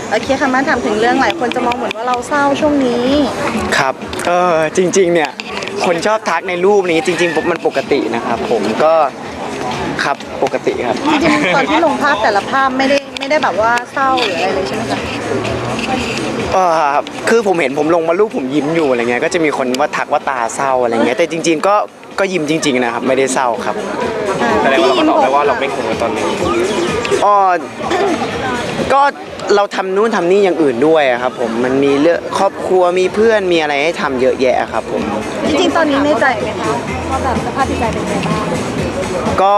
โอเคค่ะมาถามถึงเรื่องหลายคนจะมองเหมือนว่าเราเศร้าช่วงนี้ครับจริงๆเนี่ยคนชอบทักในรูปนี้จริงๆมันปกตินะครับผมก็ครับปกติครับจริงๆตอนที่ลงภาพแต่ละภาพไม่ได้แบบว่าเศร้าหรืออะไรเลยใช่ไหมคะคือผมเห็นผมลงมารูปผมยิ้มอยู่อะไรเงี้ยก็จะมีคนว่าทักว่าตาเศร้าอะไรเงี้ยแต่จริงๆก็ยิ้มจริงๆนะครับไม่ได้เศร้าครับแสดงว่าเราก็ตอบได้ว่าเราไม่คงตอนนี้ก็เราทำนู่นทำนี่อย่างอื่นด้วยครับผมมันมีเรื่องครอบครัวมีเพื่อนมีอะไรให้ทำเยอะแยะครับผมจริงๆตอนนี้ในใจไหมคะว่าแบบสภาพจิตใจเป็นไงบ้างก็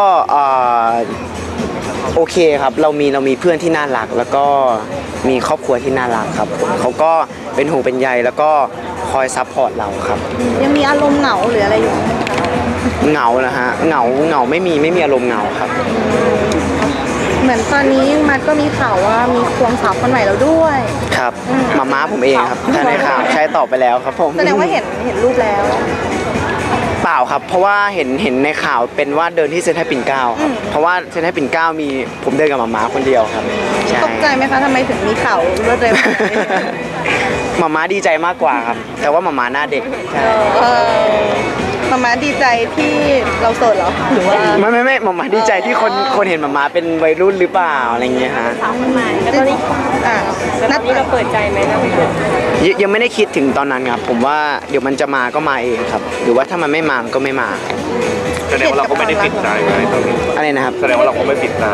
โอเคครับเรามีเพื่อนที่น่ารักแล้วก็มีครอบครัวที่น่ารักครับเขาก็เป็นห่วงเป็นใยแล้วก็คอยซัพพอร์ตเราครับยังมีอารมณ์เหงาหรืออะไรอยู่ไหมคะเหงานะฮะเหงาไม่มีอารมณ์เหงาครับเหมือนตอนนี้มันก็มีข่าวว่ามีควงสาวคนใหม่แล้วด้วยครับม้าผมเองครับถ้าในข่าวใช้ตอบไปแล้วครับผมแสดงว่าเห็นรูปแล้วเปล่าครับเพราะว่าเห็นในข่าวเป็นว่าเดินที่เซ็นทรัลปิ่นเกล้าครับเพราะว่าเซ็นทรัลปิ่นเกล้ามีผมเดินกับม้าคนเดียวครับตกใจไหมคะทำไมถึงมีข่าวรวดเร็วม้าดีใจมากกว่าครับแต่ว่าม้าหน้าเด็กใช่ม้าดีใจที่เราโสดเหรอหรือว่าไม่ม้าดีใจที่คนเห็นม้าเป็นวัยรุ่นหรือเปล่าอะไรเงี้ยฮะสาวคนใหม่แล้วตอนนี้นัดนี้เราเปิดใจไหมนะยังไม่ได้คิดถึงตอนนั้นครับผมว่าเดี๋ยวมันจะมาก็มาเองครับหรือว่าถ้ามันไม่มาก็ไม่มาแสดงว่าเราก็ไม่ได้ปิดใจไว้ตอนนี้อะไรนะครับแสดงว่าเราก็ไม่ปิดใจ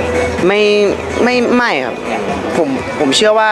ไม่ครับผมเชื่อว่า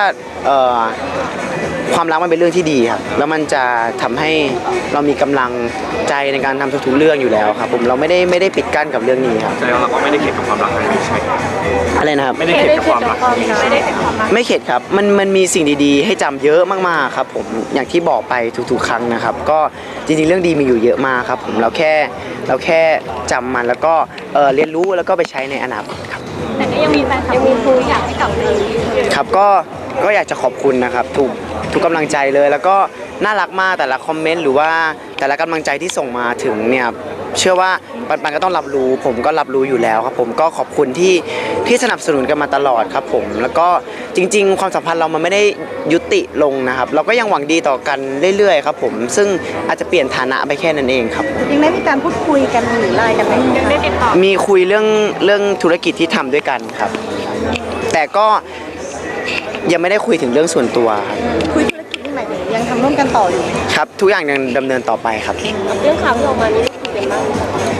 ความรักมันเป็นเรื่องที่ดีครับแล้วมันจะทำให้เรามีกำลังใจในการทำทุกๆเรื่องอยู่แล้วครับผมเราไม่ได้ปิดกั้นกับเรื่องนี้ครับแสดงว่าเราก็ไม่ได้เข็ดกับความรักครั้งนี้ใช่ไหมอะไรนะครับไม่ได้เข็ดกับความรักไม่เข็ดครับมันมีสิ่งดีๆให้จำเยอะมากๆครับผมอย่างที่บอกไปทุกๆครั้งนะครับก็จริงๆเรื่องดีมีอยู่เยอะมากครับผมเราแค่จำมันแล้วก็เรียนรู้แล้วก็ไปใช้ในอนาคตครับแต่ก็ยังมีแฟนคลับมีคุยอยากให้กลับมาครับก็อยากจะขอบคุณนะครับทุกกำลังใจเลยแล้วก็น่ารักมากแต่ละคอมเมนต์หรือว่าแต่ละกำลังใจที่ส่งมาถึงเนี่ยเชื่อว่าปันก็ต้องรับรู้ผมก็รับรู้อยู่แล้วครับผมก็ขอบคุณที่สนับสนุนกันมาตลอดครับผมแล้วก็จริงๆความสัมพันธ์เรามันไม่ได้ยุติลงนะครับเราก็ยังหวังดีต่อกันเรื่อยๆครับผมซึ่งอาจจะเปลี่ยนฐานะไปแค่นั้นเองครับยังได้มีการพูดคุยกันหรือไลน์กันไหมยังได้ติดต่อมีคุยเรื่องธุรกิจที่ทำด้วยกันครับแต่ก็ยังไม่ได้คุยถึงเรื่องส่วนตัวคุยธุรกิจที่ไหนยังทำร่วมกันต่ออยู่ครับทุกอย่างยังดำเนินต่อไปครับเรื่องข่าวที่ออกมานี้คุยกันบ้าง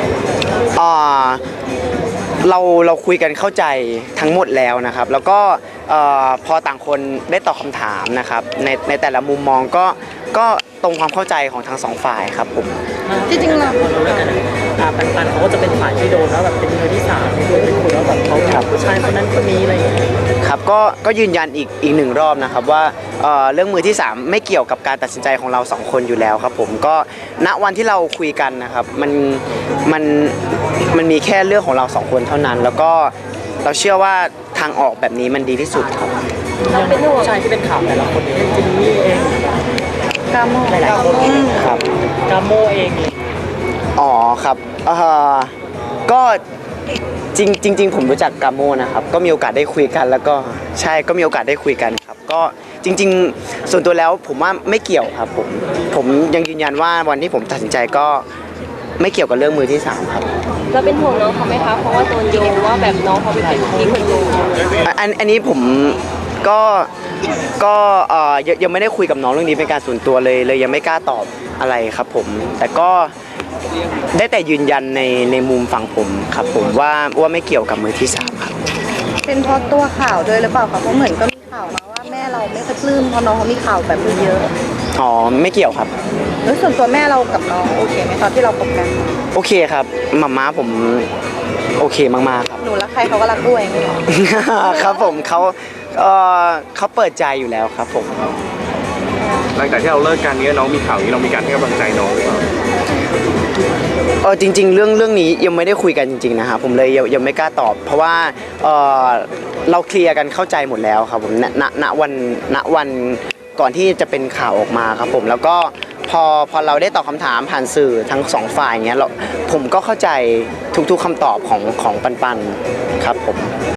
เราคุยกันเข้าใจทั้งหมดแล้วนะครับแล้วก็พอต่างคนได้ตอบคำถามนะครับในแต่ละมุมมองก็ตรงความเข้าใจของทั้งสองฝ่ายครับผมจริงๆเราปันเขาก็จะเป็นฝ่ายที่โดนแล้วแบบเป็นมือที่สามเป็นคนแล้วแบบเขาจับผู้ชายคนนั้นคนนี้อะไรอย่างเงี้ยครับก็ยืนยันอีกหนึ่งรอบนะครับว่าเรื่องมือที่3ไม่เกี่ยวกับการตัดสินใจของเรา2คนอยู่แล้วครับผมก็ณวันที่เราคุยกันนะครับมันมีแค่เรื่องของเรา2คนเท่านั้นแล้วก็เราเชื่อว่าทางออกแบบนี้มันดีที่สุดครับเราเป็นผู้ชายที่เป็นข่าวแต่ละคนนี้จินนี่เองกาโมหลายๆคนครับกาโมเองอ๋อครับก็จริงผมรู้จักกาโมนะครับก็มีโอกาสได้คุยกันแล้วก็ใช่ก็มีโอกาสได้คุยกันครับก็จริงๆส่วนตัวแล้วผมว่าไม่เกี่ยวครับผมยังยืนยันว่าวันที่ผมตัดสินใจก็ไม่เกี่ยวกับเรื่องมือที่3ครับเราเป็นห่วงน้องเขาไหมคะเพราะว่าโดนโยงว่าแบบน้องเขาเป็นที่คนโยงอันนี้ผมก็ยังไม่ได้คุยกับน้องเรื่องนี้เป็นการส่วนตัวเลยยังไม่กล้าตอบอะไรครับผมแต่ก็ได้แต่ยืนยันในมุมฝั่งผมครับผมว่าไม่เกี่ยวกับมือที่3ครับเป็นเพราะตัวข่าวด้วยหรือเปล่าคะเพราะเหมือนก็มีข่าวมาว่าแม่เราไม่ค่อยปลื้มเพราะน้องเขามีข่าวแบบนี้เยอะอ๋อไม่เกี่ยวครับแล้วส่วนตัวแม่เรากับน้องโอเคไหมตอนที่เราคบกันโอเคครับม้าผมโอเคมากๆครับหนูรักใครเขาก็รักด้วยไม่หรอครับผมเขาเปิดใจอยู่แล้วครับผมหลังจากที่เราเลิกกันนี้น้องมีข่าวนี้เรามีการให้กำลังใจน้องหรือเปล่าจริงๆเรื่องนี้ยังไม่ได้คุยกันจริงๆนะครับผมเลยยังไม่กล้าตอบเพราะว่าเราเคลียร์กันเข้าใจหมดแล้วครับผมณวันก่อนที่จะเป็นข่าวออกมาครับผมแล้วก็พอเราได้ตอบคำถามผ่านสื่อทั้ง2ฝ่ายเงี้ยผมก็เข้าใจทุกๆคำตอบของปันครับผม